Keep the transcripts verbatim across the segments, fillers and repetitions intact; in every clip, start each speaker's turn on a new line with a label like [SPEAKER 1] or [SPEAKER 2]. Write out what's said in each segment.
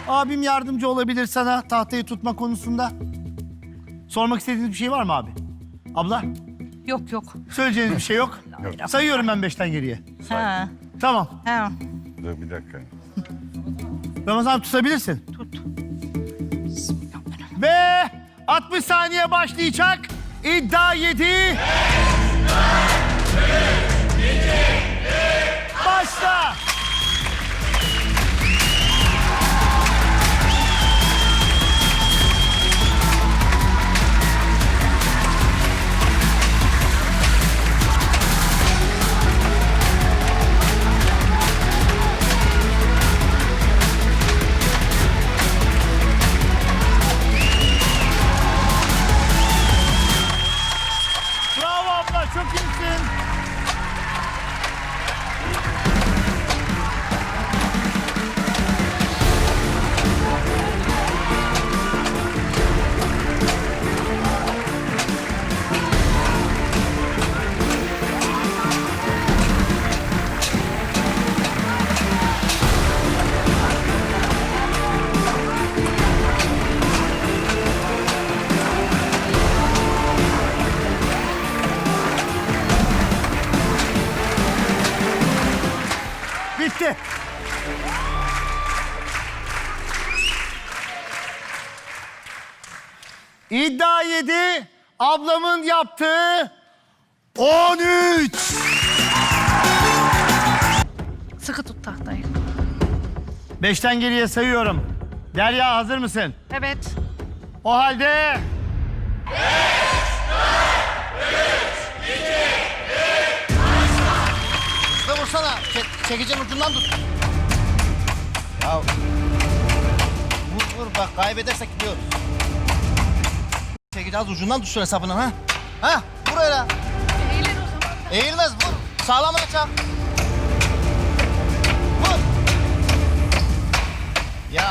[SPEAKER 1] Abim yardımcı olabilir sana tahtayı tutma konusunda. Sormak istediğiniz bir şey var mı abi? Abla?
[SPEAKER 2] Yok yok.
[SPEAKER 1] Söyleyeceğiniz bir şey yok.
[SPEAKER 3] Yok.
[SPEAKER 1] Sayıyorum ben beşten geriye.
[SPEAKER 2] Ha.
[SPEAKER 1] Tamam.
[SPEAKER 2] Ha.
[SPEAKER 3] Dur bir dakika.
[SPEAKER 1] Ramazan tutabilirsin.
[SPEAKER 2] Tut.
[SPEAKER 1] Ve altmış saniye başlayacak. İddia yedi. Başla. Bravo abla, çok iyisin. Bitti. İddia yedi. Ablamın yaptığı on üç.
[SPEAKER 2] Sıkı tut tahtayı.
[SPEAKER 1] Beşten geriye sayıyorum. Derya hazır mısın?
[SPEAKER 2] Evet.
[SPEAKER 1] O halde...
[SPEAKER 4] Ve vursana. Çek, çekicinin ucundan tut. Ya. Vur vur bak kaybedersek gidiyoruz. Çekeceğiz ucundan tutsun hesabını ha. Ha vur öyle.
[SPEAKER 2] Eğilir o zaman.
[SPEAKER 4] Eğilmez vur. Sağlamına çak. Vur. Ya.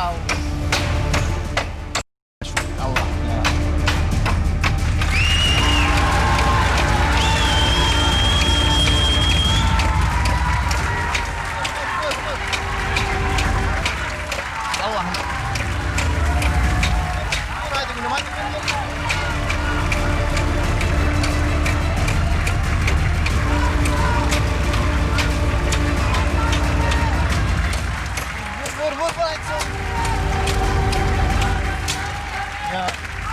[SPEAKER 4] Allah ya. Vur, vur, vur. Allah'ım. Vur hadi gülüm hadi gülüm. Vur vur vur hadi sen. Ya.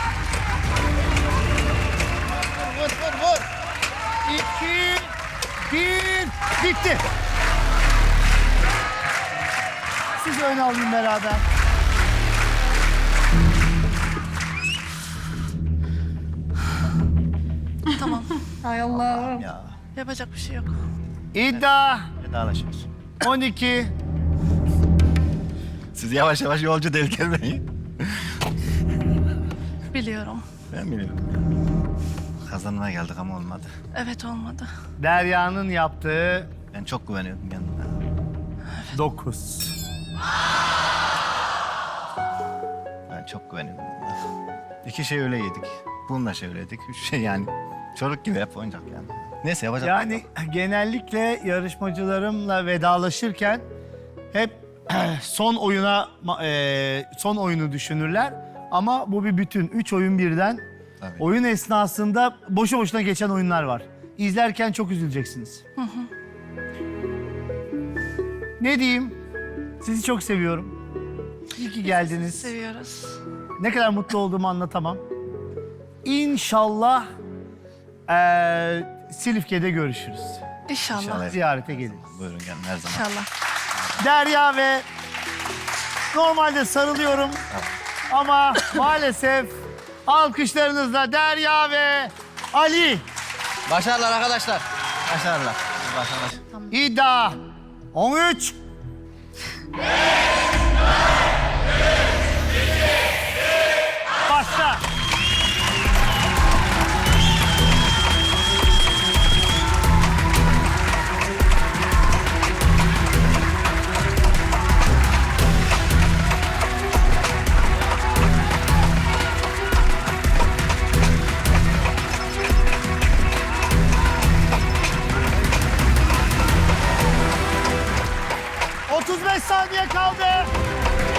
[SPEAKER 4] Vur vur vur.
[SPEAKER 1] İki, bir, bitti. Sizi öne alayım beraber.
[SPEAKER 2] Tamam. Hay Allah.
[SPEAKER 4] Ya.
[SPEAKER 2] Yapacak bir şey yok.
[SPEAKER 1] İddia
[SPEAKER 4] Vedalaşıyoruz.
[SPEAKER 1] on iki.
[SPEAKER 4] Siz yavaş yavaş yolcu değil gelmeyin.
[SPEAKER 2] Biliyorum.
[SPEAKER 4] Ben biliyorum. Kazanmaya geldik ama olmadı.
[SPEAKER 2] Evet olmadı.
[SPEAKER 1] Derya'nın yaptığı
[SPEAKER 4] Ben çok güveniyordum kendime.
[SPEAKER 1] dokuz.
[SPEAKER 4] Ben çok güveniyordum. İki şey öyle yedik. Bununla şey öyle yedik. Üç şey yani. Çocuk gibi hep oyuncak yani. Neyse yapacak.
[SPEAKER 1] Yani genellikle yarışmacılarımla vedalaşırken hep son oyuna e, son oyunu düşünürler. Ama bu bir bütün. Üç oyun birden.
[SPEAKER 4] Tabii.
[SPEAKER 1] Oyun esnasında boşu boşuna geçen oyunlar var. İzlerken çok üzüleceksiniz. Ne diyeyim? Sizi çok seviyorum. İyi ki geldiniz.
[SPEAKER 2] Seviyoruz.
[SPEAKER 1] Ne kadar mutlu olduğumu anlatamam. İnşallah eee Silifke'de görüşürüz.
[SPEAKER 2] İnşallah.
[SPEAKER 4] İnşallah.
[SPEAKER 1] Ziyarete geliriz.
[SPEAKER 4] Buyurun gelin her zaman.
[SPEAKER 2] İnşallah.
[SPEAKER 1] Derya ve normalde sarılıyorum ama maalesef alkışlarınızla Derya ve Ali.
[SPEAKER 4] Başarılar arkadaşlar. Başarılar. Başarılar.
[SPEAKER 1] İddia on üç. Başla. otuz beş saniye kaldı.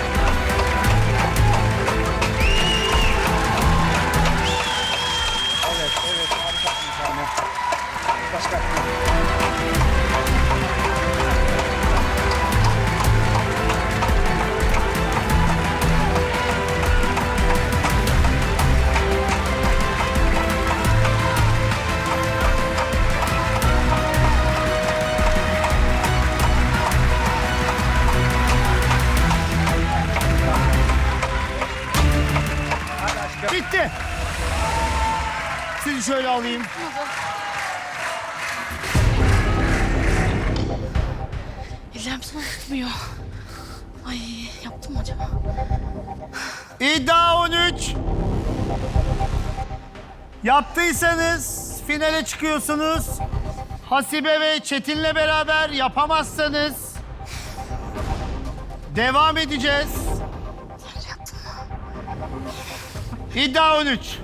[SPEAKER 1] Sizi şöyle alayım.
[SPEAKER 2] Ellerim sana tutmuyor. Ay yaptım mı acaba?
[SPEAKER 1] İddia on üç. Yaptıysanız finale çıkıyorsunuz. Hasibe ve Çetin'le beraber yapamazsanız devam edeceğiz. İddia on üç.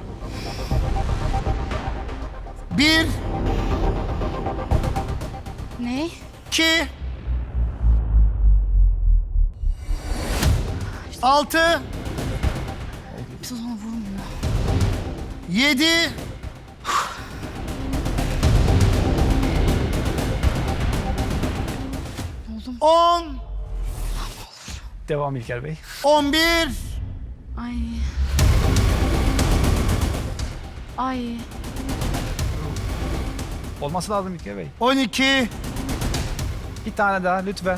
[SPEAKER 1] Bir,
[SPEAKER 2] Ne?
[SPEAKER 1] iki, altı,
[SPEAKER 2] Bir de ona vurmuyor.
[SPEAKER 1] yedi,
[SPEAKER 2] Oldum.
[SPEAKER 1] on,
[SPEAKER 3] Devam İlker Bey.
[SPEAKER 1] on bir,
[SPEAKER 2] Ay. Ay.
[SPEAKER 3] Olması lazım İlker Bey.
[SPEAKER 1] on iki,
[SPEAKER 3] Bir tane daha lütfen.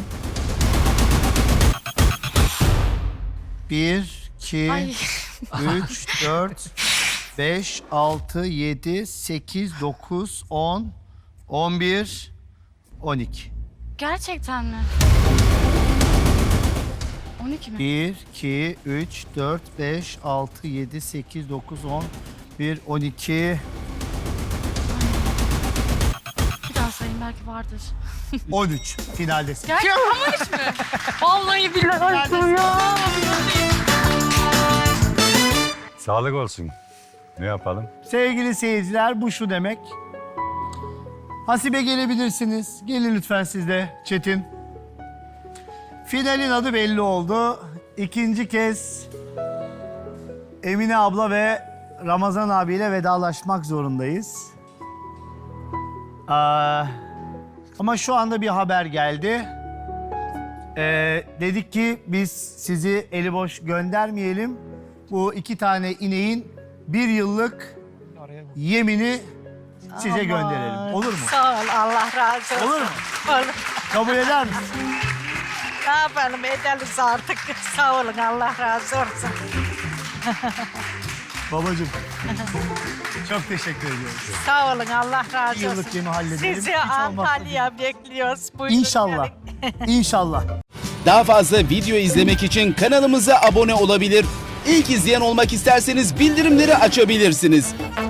[SPEAKER 1] bir, iki,
[SPEAKER 2] Ay.
[SPEAKER 1] üç, dört, beş, altı, yedi, sekiz, dokuz, on, on bir, on iki.
[SPEAKER 2] Gerçekten mi? on iki mi?
[SPEAKER 1] bir, iki, üç, dört, beş, altı, yedi, sekiz, dokuz, on, bir, on iki,
[SPEAKER 2] Bir daha sayayım belki vardır.
[SPEAKER 1] on üç. Finaldesin.
[SPEAKER 2] Gerçekten on üç mü? Vallahi billahi ya.
[SPEAKER 5] Sağlık olsun. Ne yapalım?
[SPEAKER 1] Sevgili seyirciler, bu şu demek. Hasibe gelebilirsiniz. Gelin lütfen siz de Çetin. Finalin adı belli oldu. İkinci kez Emine abla ve Ramazan abiyle vedalaşmak zorundayız. Aa, ama şu anda bir haber geldi. Ee, dedik ki biz sizi eli boş göndermeyelim. Bu iki tane ineğin bir yıllık yemini size gönderelim. Olur mu?
[SPEAKER 6] Sağ ol, Allah razı olsun.
[SPEAKER 1] Olur mu?
[SPEAKER 6] Olur.
[SPEAKER 1] Kabul eder misin?
[SPEAKER 6] Ne yapalım, ederiz artık. Sağ olun, Allah razı olsun.
[SPEAKER 1] Babacığım. Çok teşekkür ediyoruz.
[SPEAKER 6] Sağ olun, Allah razı
[SPEAKER 1] Bir yıllık
[SPEAKER 6] olsun.
[SPEAKER 1] yemi halledelim.
[SPEAKER 6] Sizi
[SPEAKER 1] Hiç olmazsa
[SPEAKER 6] Antalya bekliyoruz. Buyurun
[SPEAKER 1] İnşallah.
[SPEAKER 6] gelin.
[SPEAKER 1] İnşallah.
[SPEAKER 7] Daha fazla video izlemek için kanalımıza abone olabilir. İlk izleyen olmak isterseniz bildirimleri açabilirsiniz.